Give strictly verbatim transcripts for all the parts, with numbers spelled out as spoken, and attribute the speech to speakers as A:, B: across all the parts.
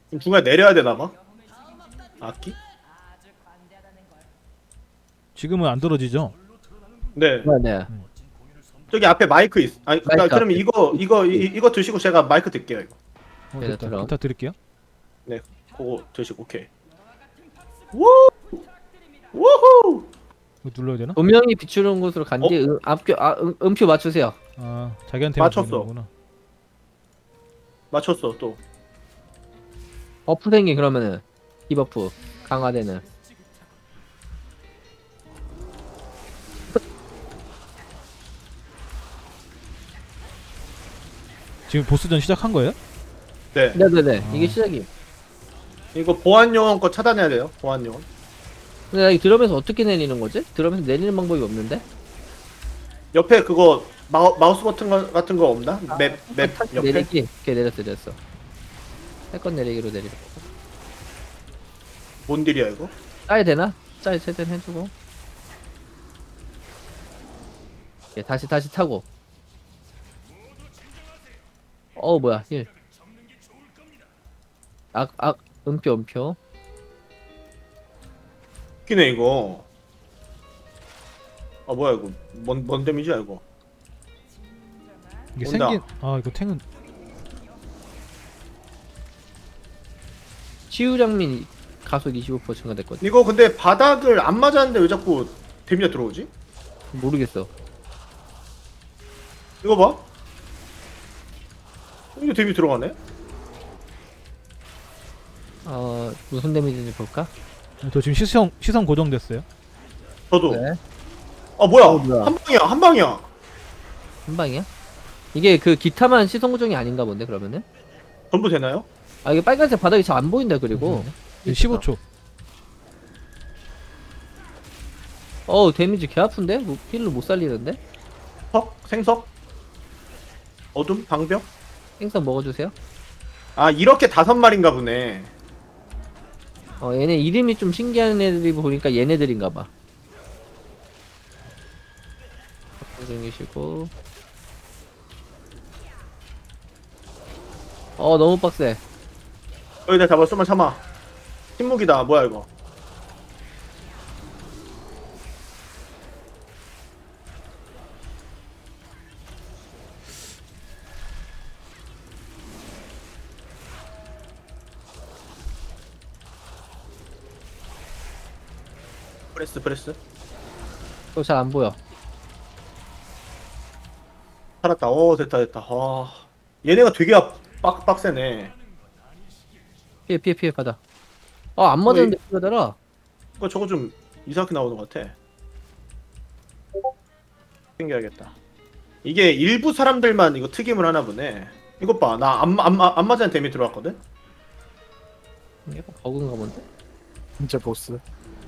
A: 그럼 중간에 내려야 되나 봐. 악기?
B: 지금은 안 떨어지죠?
A: 네.
C: 네네.
A: 저기 앞에 마이크 있. 아니 그러니까
C: 마이크
A: 그러면
C: 앞에.
A: 이거 이거 이, 이거 드시고 제가 마이크 드릴게요 이거.
B: 어
C: 네,
B: 됐다.
C: 들어.
B: 기타 드릴게요.
A: 네. 그거 드시고 오케이. 우! 우후!
B: 이거 눌러야 되나?
C: 조명이 비추는 곳으로 간
A: 어?
C: 뒤에 음, 앞교 아 음, 음표 맞추세요.
B: 아 자기한테
A: 맞췄어.
B: 거구나.
A: 맞췄어 또.
C: 버프 생긴 그러면은 디버프 강화되는.
B: 지금 보스전 시작한 거예요?
A: 네.
C: 네네네.
B: 아.
C: 이게 시작이.
A: 이거 보안 요원 거 차단해야 돼요. 보안 요원.
C: 근데 나 이 드럼에서 어떻게 내리는 거지? 드럼에서 내리는 방법이 없는데?
A: 옆에 그거 마, 마우스 버튼 거, 같은 거 없나? 맵 맵
C: 탁
A: 옆에.
C: 내리기. 오케이 내렸어 내렸어. 세컨 내리기로 내리고.
A: 뭔 딜이야 이거?
C: 짜야 되나? 짜야 최대한 해주고. 예, 다시 다시 타고. 어 뭐야 힐. 악, 악, 음표 음표.
A: 웃기네 이거. 아 뭐야 이거? 뭔, 뭔 데미지야 이거?
B: 이게
A: 온다.
B: 생긴 아 이거 탱은
C: 치유 장민 가속 이십오 퍼센트 증가됐거든.
A: 이거 근데 바닥을 안 맞았는데 왜 자꾸 데미지가 들어오지?
C: 모르겠어.
A: 이거 봐. 이거 데미지 들어가네?
C: 어 무슨 데미지인지 볼까?
B: 저 지금 시선 시선 고정됐어요.
A: 저도.
C: 네.
A: 아 뭐야?
C: 어, 뭐야.
A: 한 방이야 한 방이야.
C: 한 방이야? 이게 그 기타만 시선 고정이 아닌가 본데 그러면은?
A: 전부 되나요?
C: 아 이게 빨간색 바닥이 잘 안 보인다 그리고.
B: 십오 초.
C: 어 데미지 개 아픈데? 뭐, 힐로 못 살리는데?
A: 석? 생석? 어둠? 방벽?
C: 생선 먹어주세요.
A: 아 이렇게 다섯 마리인가 보네.
C: 어 얘네 이름이 좀 신기한 애들이 보니까 얘네들인가봐. 중이시고. 어 너무 빡세.
A: 여기다 잡아 좀만 참아. 침묵이다 뭐야 이거. 프레스 프레스.
C: 또 잘 안 보여.
A: 살았다. 오 됐다 됐다. 아 얘네가 되게 아, 빡, 빡세네.
C: 피해 피해 피해 받아. 어안 맞았는데 피하더라.
A: 이거 저거 좀 이상하게 나오는 것 같아. 챙겨야겠다. 이게 일부 사람들만 이거 특임을 하나 보네. 이것 봐. 나 안 안 안 맞은 데미 들어왔거든?
C: 약간 버그인가 본데?
D: 진짜 보스.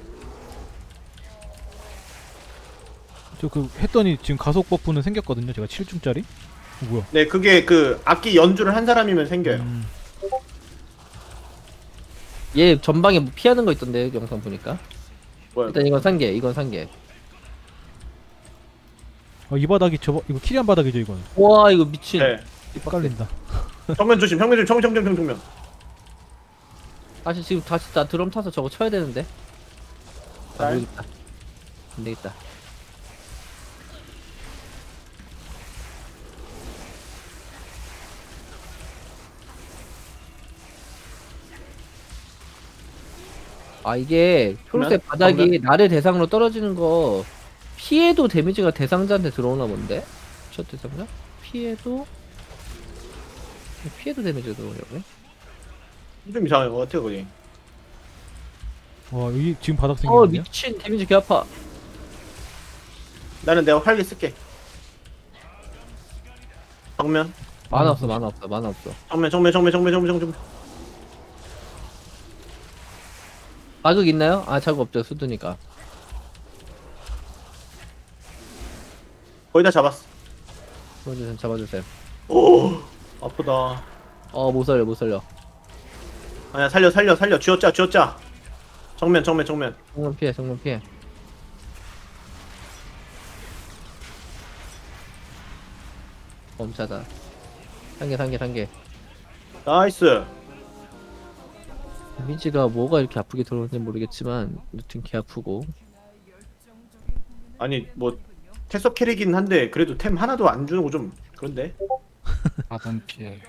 B: 저 그 했더니 지금 가속 버프는 생겼거든요. 제가 칠 중짜리. 어, 뭐야?
A: 네, 그게 그 악기 연주를 한 사람이면 생겨요.
B: 음,
C: 얘 전방에 뭐 피하는 거 있던데 영상 보니까.
A: 뭐야?
C: 일단 이건 산개 이건 산개.
B: 어, 이 바닥이 저 이거 키리안 바닥이죠 이거는.
C: 와 이거 미친.
A: 네.
B: 헷갈린다.
A: 정면 조심. 정면 조심. 정면 정면 정면 정면.
C: 다시 지금 다시 나 드럼 타서 저거 쳐야 되는데. 아
A: 잘.
C: 모르겠다. 안 되겠다. 아 이게 초록색
A: 그러면?
C: 바닥이
A: 그러면?
C: 나를 대상으로 떨어지는 거 피해도 데미지가 대상자한테 들어오나 본데? 첫 대상자? 피해도 피해도 데미지가 들어오려고.
A: 좀 이상해. 것 같아 거기.
B: 와 여기 지금 바닥
C: 어
B: 생겼네요.
C: 미친 데미지 개 아파.
A: 나는 내가 활기 쓸게. 정면.
C: 만화 없어 만화 없어 만화 없어.
A: 정면 정면 정면 정면 정면 정면.
C: 자극 있나요? 아 자극 없죠 수두니까.
A: 거의 다 잡았어.
C: 잡아주세요 잡아주세요.
A: 오 아프다.
C: 어 못 살려 못 살려.
A: 아니야 살려 살려 살려. 쥐어짜 쥐어짜. 정면 정면 정면.
C: 정면 피해 정면 피해. 멈차다. 상계 상계 상계.
A: 나이스.
C: 데미지가 뭐가 이렇게 아프게 들어오는지 모르겠지만 여튼 개 아프고.
A: 아니 뭐 태석 캐릭이긴 한데 그래도 템 하나도 안 주는 거 좀 그런데.
D: 받은 피해.